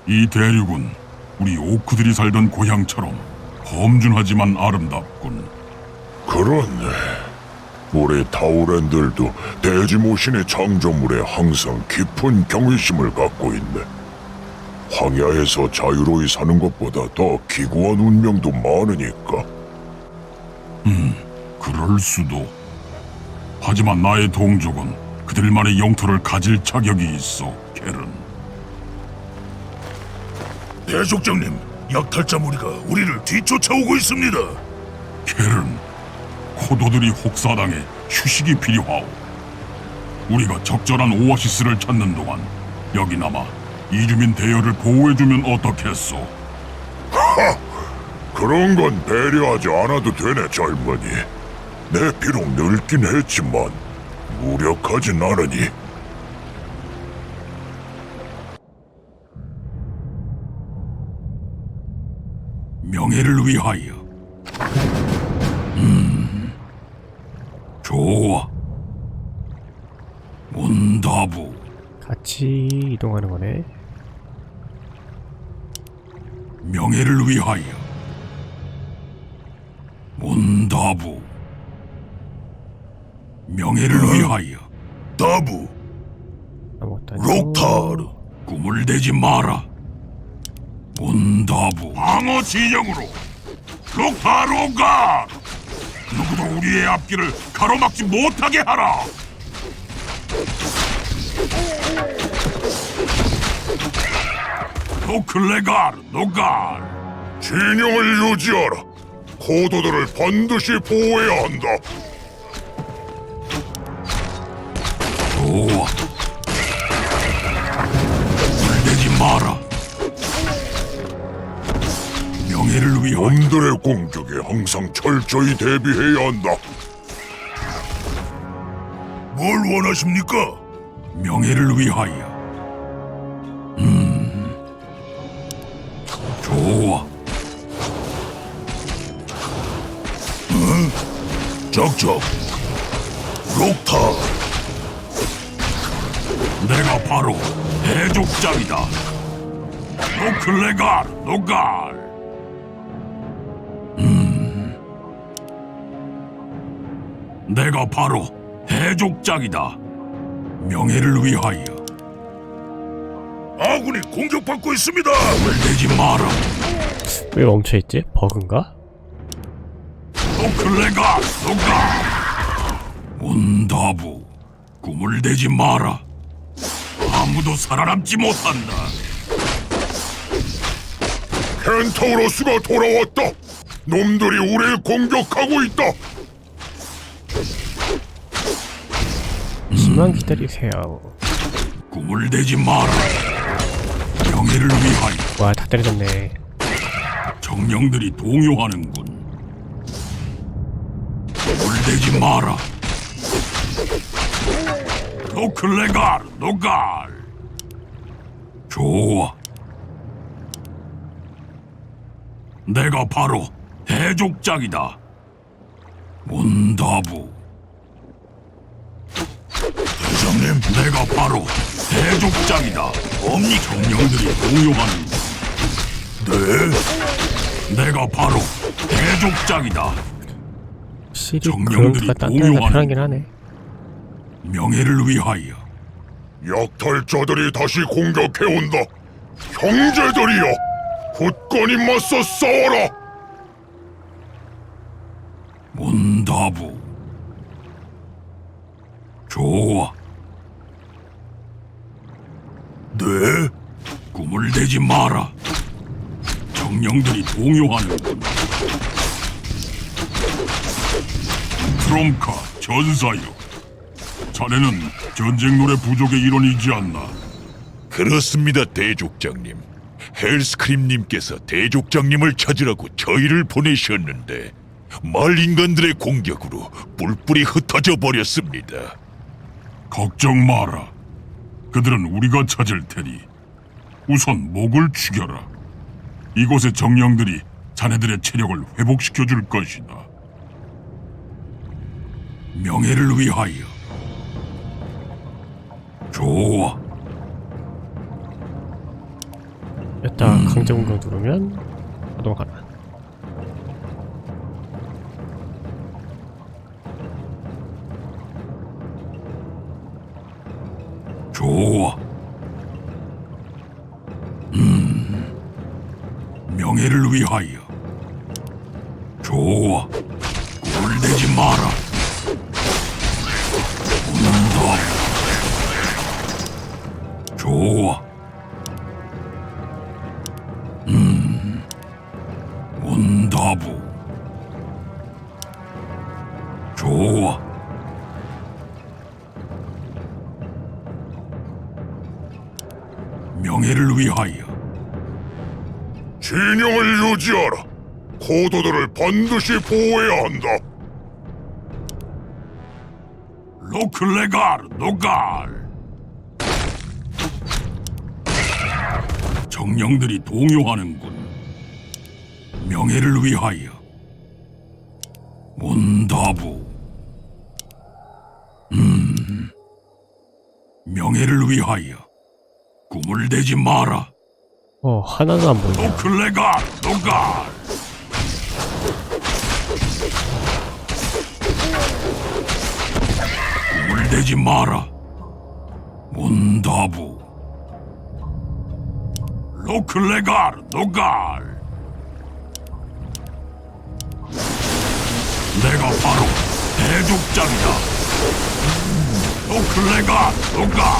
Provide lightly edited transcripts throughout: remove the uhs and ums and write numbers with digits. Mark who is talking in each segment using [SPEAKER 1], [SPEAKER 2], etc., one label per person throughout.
[SPEAKER 1] 이 대륙은 우리 오크들이 살던 고향처럼 험준하지만 아름답군.
[SPEAKER 2] 그렇네. 우리 타우렌들도 대지모신의 창조물에 항상 깊은 경외심을 갖고 있네. 황야에서 자유로이 사는 것보다 더 기구한 운명도 많으니까.
[SPEAKER 1] 그럴 수도. 하지만 나의 동족은 그들만의 영토를 가질 자격이 있어, 켈은.
[SPEAKER 3] 대족장님, 약탈자 무리가 우리를 뒤쫓아오고 있습니다.
[SPEAKER 1] 켈은, 코도들이 혹사당해 휴식이 필요하오. 우리가 적절한 오아시스를 찾는 동안 여기나마 이주민 대열을 보호해주면 어떻겠소?
[SPEAKER 2] 그런 건 배려하지 않아도 되네, 젊은이. 내 비록 늙긴 했지만 무력하진 않으니.
[SPEAKER 1] 명예를 위하여. 좋아. 문다부.
[SPEAKER 4] 같이 이동하는 거네.
[SPEAKER 1] 명예를 위하여. 문다부. 명예를 위하여.
[SPEAKER 3] 다부,
[SPEAKER 4] 아무것도 아니고.
[SPEAKER 3] 록타르,
[SPEAKER 1] 꿈을 대지 마라. 문다부. 방어 진영으로. 록타로가. 누구도 우리의 앞길을 가로막지 못하게 하라. 노클레가르 노갈.
[SPEAKER 2] 진영을 유지하라. 코도들을 반드시 보호해야 한다.
[SPEAKER 1] 좋아. 물대지 마라. 명예를 위하여.
[SPEAKER 2] 놈들의 공격에 항상 철저히 대비해야 한다.
[SPEAKER 3] 뭘 원하십니까?
[SPEAKER 1] 명예를 위하여. 좋아.
[SPEAKER 3] 적적, 록타르,
[SPEAKER 1] 내가 바로 해족장이다. 노클레갈 노갈. 내가 바로 해족장이다. 명예를 위하여.
[SPEAKER 3] 아군이 공격받고 있습니다.
[SPEAKER 1] 물대지 마라.
[SPEAKER 4] 왜 멈춰있지? 버그인가?
[SPEAKER 1] 노클레갈 노갈. 문다부. 꿈을 대지 마라. 아무도 살아남지 못한다.
[SPEAKER 2] 켄타우로스가 돌아왔다. 놈들이 우리를 공격하고 있다.
[SPEAKER 4] 잠시만 기다리세요.
[SPEAKER 1] 꿈을 대지 마라. 명예를 위하여.
[SPEAKER 4] 와, 다 때려졌네.
[SPEAKER 1] 정령들이 동요하는군. 꿈을 대지 마라. 노클레갈 노갈. 좋아. 내가 바로 해족장이다. 문다부.
[SPEAKER 3] 대장님,
[SPEAKER 1] 내가 바로 해족장이다. 엄니 정령들이 동요하는.
[SPEAKER 3] 네,
[SPEAKER 1] 내가 바로 해족장이다.
[SPEAKER 4] 확실히
[SPEAKER 1] 정령들이
[SPEAKER 4] 그런가 딴데가
[SPEAKER 1] 공유하는
[SPEAKER 4] 편하긴 하네.
[SPEAKER 1] 명예를 위하여.
[SPEAKER 2] 약탈자들이 다시 공격해온다. 형제들이여, 굳건히 맞서 싸워라.
[SPEAKER 1] 문다부. 좋아.
[SPEAKER 3] 네,
[SPEAKER 1] 꿈을 대지 마라. 정령들이 동요하는군. 트롬카 전사여. 자네는 전쟁 노래 부족의 일원이지 않나?
[SPEAKER 3] 그렇습니다, 대족장님. 헬스크림님께서 대족장님을 찾으라고 저희를 보내셨는데 말 인간들의 공격으로 뿔뿔이 흩어져 버렸습니다.
[SPEAKER 1] 걱정 마라. 그들은 우리가 찾을 테니 우선 목을 죽여라. 이곳의 정령들이 자네들의 체력을 회복시켜 줄 것이다. 명예를 위하여. 좋아.
[SPEAKER 4] 자, 강제 공격 누르면 자동하나.
[SPEAKER 1] 좋아. 명예를 위하여. 좋아. 꿈을 내지 마라. 운다. 좋아. 온다부. 좋아. 명예를 위하여.
[SPEAKER 2] 진영을 유지하라. 고도들을 반드시 보호해야 한다.
[SPEAKER 1] 로클레갈 노갈. 정령들이 동요하는군. 명예를 위하여. 온다부. 명예를 위하여. 꿈을 대지 마라.
[SPEAKER 4] 하나도 안 보이네.
[SPEAKER 1] 노클레갈 노갈. 꿈을 대지 마라. 온다부. 로클레갈 노갈. 내가 바로 대족장이다. 로클레갈 노갈.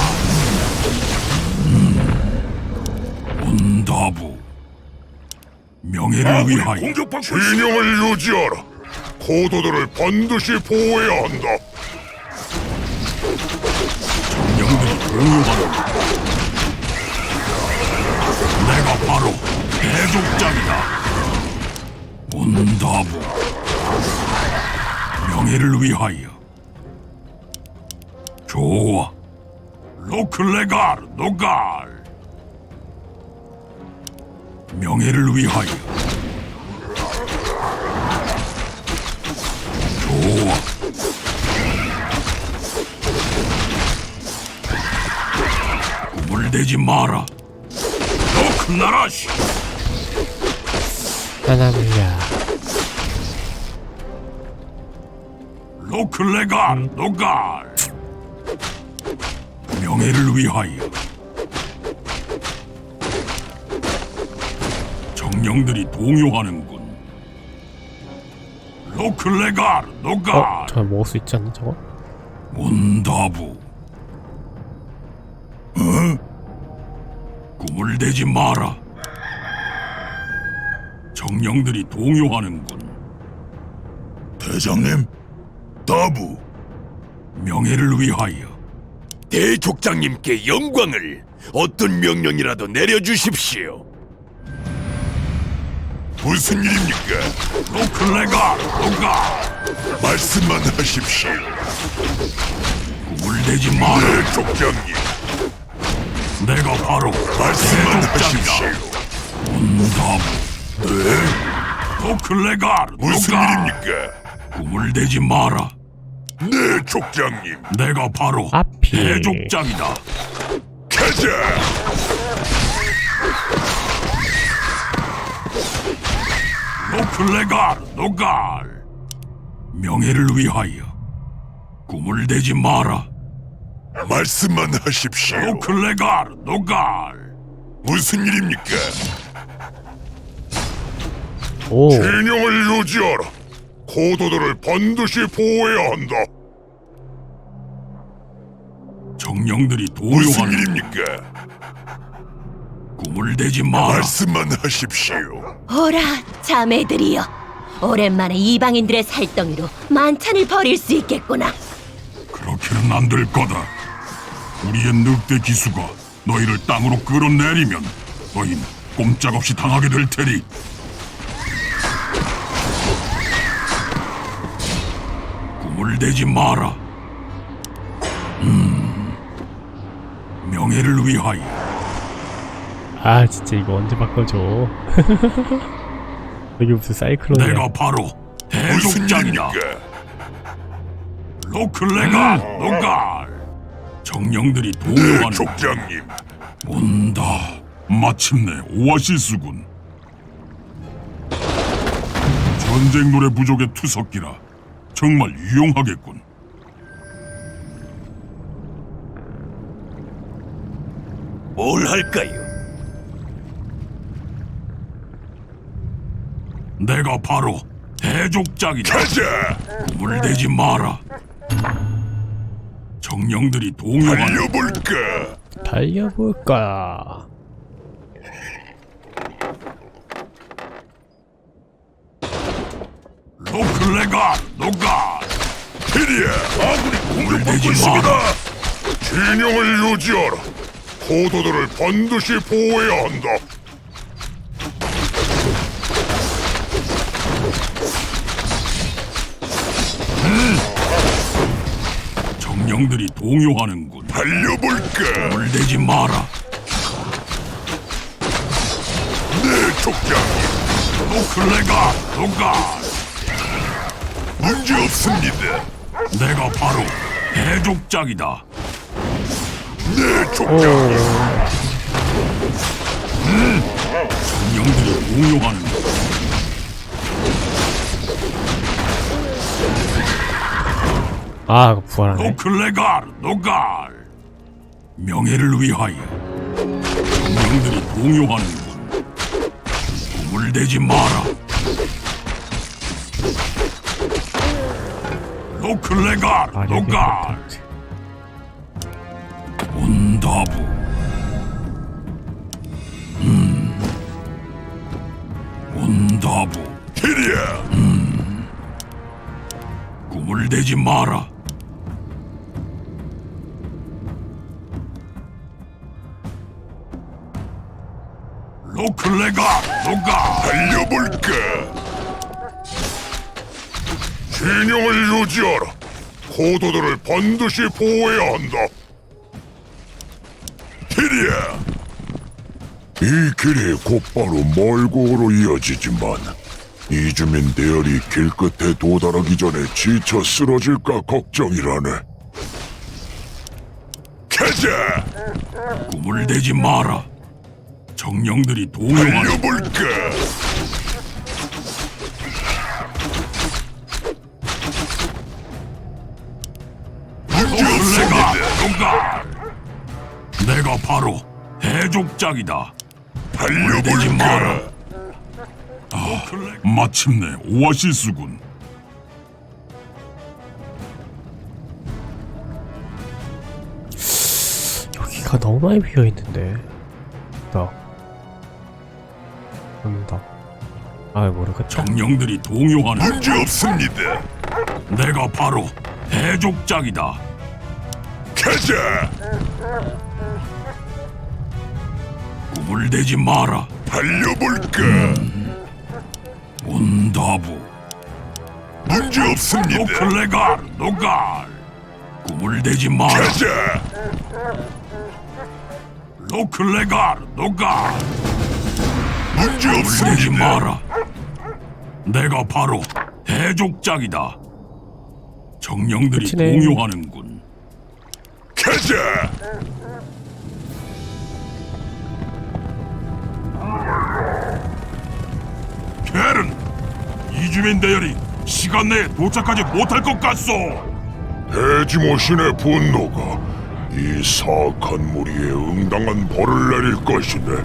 [SPEAKER 1] 온다부. 명예를 위하여.
[SPEAKER 2] 진영을 유지하라. 고도들을 반드시 보호해야 한다.
[SPEAKER 1] 정령들이 공유하는. 내가 바로 대족장이다. 온다부. 명예를 위하여. 좋아. 로클레갈 노갈. 명예를 위하여. 좋아. 꿈을 대지 마라. 로클나라시.
[SPEAKER 4] 하나무야.
[SPEAKER 1] 로클레갈 노갈. 명예를 위하여. 정령들이 동요하는군. 로클레갈 노갈.
[SPEAKER 4] 저 먹을 수 있지 않나 저거?
[SPEAKER 1] 온다부. 꿈을 대지 마라. 정령들이 동요하는군.
[SPEAKER 2] 대장님, 다부.
[SPEAKER 1] 명예를 위하여.
[SPEAKER 5] 대족장님께 영광을 어떤 명령이라도 내려주십시오.
[SPEAKER 2] 무슨 일입니까?
[SPEAKER 1] 로클레갈 노갈.
[SPEAKER 2] 말씀만 하십시오.
[SPEAKER 1] 꿈을 대지 마라.
[SPEAKER 2] 네, 족장님.
[SPEAKER 1] 내가 바로
[SPEAKER 2] 말씀만
[SPEAKER 1] 대족장이다.
[SPEAKER 2] 하십시오.
[SPEAKER 1] 온다부.
[SPEAKER 2] 네,
[SPEAKER 1] 로클레갈
[SPEAKER 2] 무슨
[SPEAKER 1] 노갈.
[SPEAKER 2] 일입니까?
[SPEAKER 1] 꿈을 대지 마라.
[SPEAKER 2] 네, 족장님.
[SPEAKER 1] 내가 바로
[SPEAKER 4] 앞이.
[SPEAKER 1] 대족장이다.
[SPEAKER 2] 가자.
[SPEAKER 1] 로클레갈 노갈. 명예를 위하여. 꿈을 대지 마라.
[SPEAKER 2] 말씀만 하십시오.
[SPEAKER 1] 로클레갈 노갈.
[SPEAKER 2] 무슨 일입니까?
[SPEAKER 4] 오.
[SPEAKER 2] 진영을 유지하라. 고도들을 반드시 보호해야 한다.
[SPEAKER 1] 정령들이
[SPEAKER 2] 무슨
[SPEAKER 1] 동요하는.
[SPEAKER 2] 일입니까?
[SPEAKER 1] 꿈을 대지 마라.
[SPEAKER 2] 말씀만 하십시오.
[SPEAKER 6] 오라, 자매들이여. 오랜만에 이방인들의 살덩이로 만찬을 벌일 수 있겠구나.
[SPEAKER 1] 그렇게는 안 될 거다. 우리의 늑대 기수가 너희를 땅으로 끌어내리면 너희는 꼼짝없이 당하게 될 테니. 꿈을 대지 마라. 명예를 위하여.
[SPEAKER 4] 아 진짜 이거 언제 바꿔줘. 여기 무슨 사이클론이야.
[SPEAKER 1] 내가 바로
[SPEAKER 2] 무슨
[SPEAKER 1] 대족장이다.
[SPEAKER 2] 일입니까?
[SPEAKER 1] 로클레갈 노갈. 정령들이
[SPEAKER 2] 네,
[SPEAKER 1] 동요하는.
[SPEAKER 2] 족장님.
[SPEAKER 1] 온다. 마침내 오아시스군. 전쟁 노래 부족의 투석기라 정말 유용하겠군.
[SPEAKER 5] 뭘 할까요?
[SPEAKER 1] 내가 바로 대족장이다.
[SPEAKER 2] 가자!
[SPEAKER 1] 꿈을 대지 마라. 정령들이 동요하는
[SPEAKER 2] 달려볼까?
[SPEAKER 4] 달려볼까?
[SPEAKER 1] 노클레가 노가.
[SPEAKER 2] 테리야, 아군이 공격받고
[SPEAKER 1] 내지
[SPEAKER 2] 있습니다.
[SPEAKER 1] 마라.
[SPEAKER 2] 진영을 유지하라. 포도들을 반드시 보호해야 한다.
[SPEAKER 1] 정령들이 동요하는군.
[SPEAKER 2] 달려볼까?
[SPEAKER 1] 꿈을 대지 마라.
[SPEAKER 2] 네, 족장님.
[SPEAKER 1] 노클레가 노가.
[SPEAKER 2] 문제 없습니다.
[SPEAKER 1] 내가 바로 대족장이다.
[SPEAKER 2] 네, 족장님.
[SPEAKER 1] 정령들이 동요하는군.
[SPEAKER 4] 아, 이거 부활하네.
[SPEAKER 1] 노클레갈 노갈. 명예를 위하여 정령들이 동요하는군. 꿈을 대지 마라. 노클레갈
[SPEAKER 4] 아,
[SPEAKER 1] 노갈. 온다부. 온다부.
[SPEAKER 2] 테리야,
[SPEAKER 1] 꿈을 대지 마라. 노클레가 노가.
[SPEAKER 2] 달려볼까? 진영을 유지하라. 포도들을 반드시 보호해야 한다. 테리야, 이 길이 곧바로 멀고로 이어지지만 이주민 대열이 길 끝에 도달하기 전에 지쳐 쓰러질까 걱정이라네. 가자!
[SPEAKER 1] 꿈을 대지 마라. 정령들이 동요하는
[SPEAKER 2] 달려볼까? 문제
[SPEAKER 1] 노클레가
[SPEAKER 2] 없습니다.
[SPEAKER 1] 노가. 내가 바로 대족장이다. 꿈을 대지 마라.
[SPEAKER 2] 달려볼까?
[SPEAKER 1] 마침내 오아시스군.
[SPEAKER 4] 여기가 너무 많이 비어있는데. 온다. 아, 모르겠다.
[SPEAKER 1] 정령들이 동요하는
[SPEAKER 2] 문제 없습니다.
[SPEAKER 1] 내가 바로 대족장이다.
[SPEAKER 2] 가자!
[SPEAKER 1] 꿈을 대지 마라.
[SPEAKER 2] 달려볼까?
[SPEAKER 1] 온다부.
[SPEAKER 2] 문제 없습니다.
[SPEAKER 1] 노클레갈 노갈. 꿈을 대지 마라.
[SPEAKER 2] 가자!
[SPEAKER 1] 노클레갈 노갈.
[SPEAKER 2] 문제
[SPEAKER 1] 꿈을 대지
[SPEAKER 2] 없습니다.
[SPEAKER 1] 마라. 내가 바로 대족장이다. 정령들이
[SPEAKER 4] 끝이네.
[SPEAKER 1] 동요하는군.
[SPEAKER 2] 가자!
[SPEAKER 1] 켈은 이주민 대열이 시간 내에 도착하지 못할 것 같소.
[SPEAKER 2] 대지모신의 분노가 이 사악한 무리에 응당한 벌을 내릴 것이네.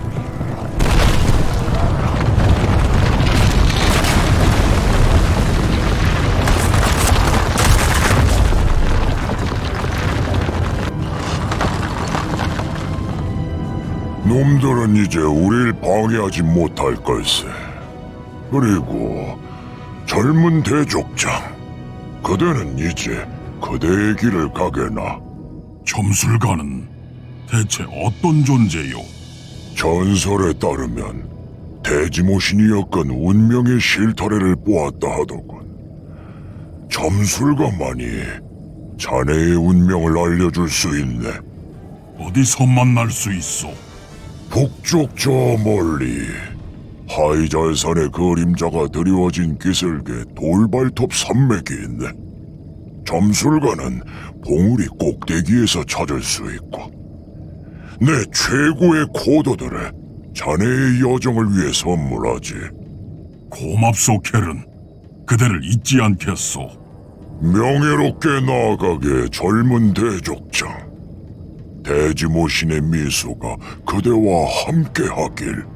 [SPEAKER 2] 놈들은 이제 우릴 방해하지 못할 걸세. 그리고 젊은 대족장, 그대는 이제 그대의 길을 가게나.
[SPEAKER 1] 점술가는 대체 어떤 존재요?
[SPEAKER 2] 전설에 따르면 대지모신이었건 운명의 실타래를 보았다 하더군. 점술가만이 자네의 운명을 알려줄 수 있네.
[SPEAKER 1] 어디서 만날 수 있어?
[SPEAKER 2] 북쪽 저 멀리 하이잘산의 그림자가 드리워진 기슭에 돌발톱 산맥이 있네. 점술가는 봉우리 꼭대기에서 찾을 수 있고 내 최고의 코도들을 자네의 여정을 위해 선물하지.
[SPEAKER 1] 고맙소, 켈은. 그대를 잊지 않겠소.
[SPEAKER 2] 명예롭게 나아가게 젊은 대족장. 대지모신의 미소가 그대와 함께하길.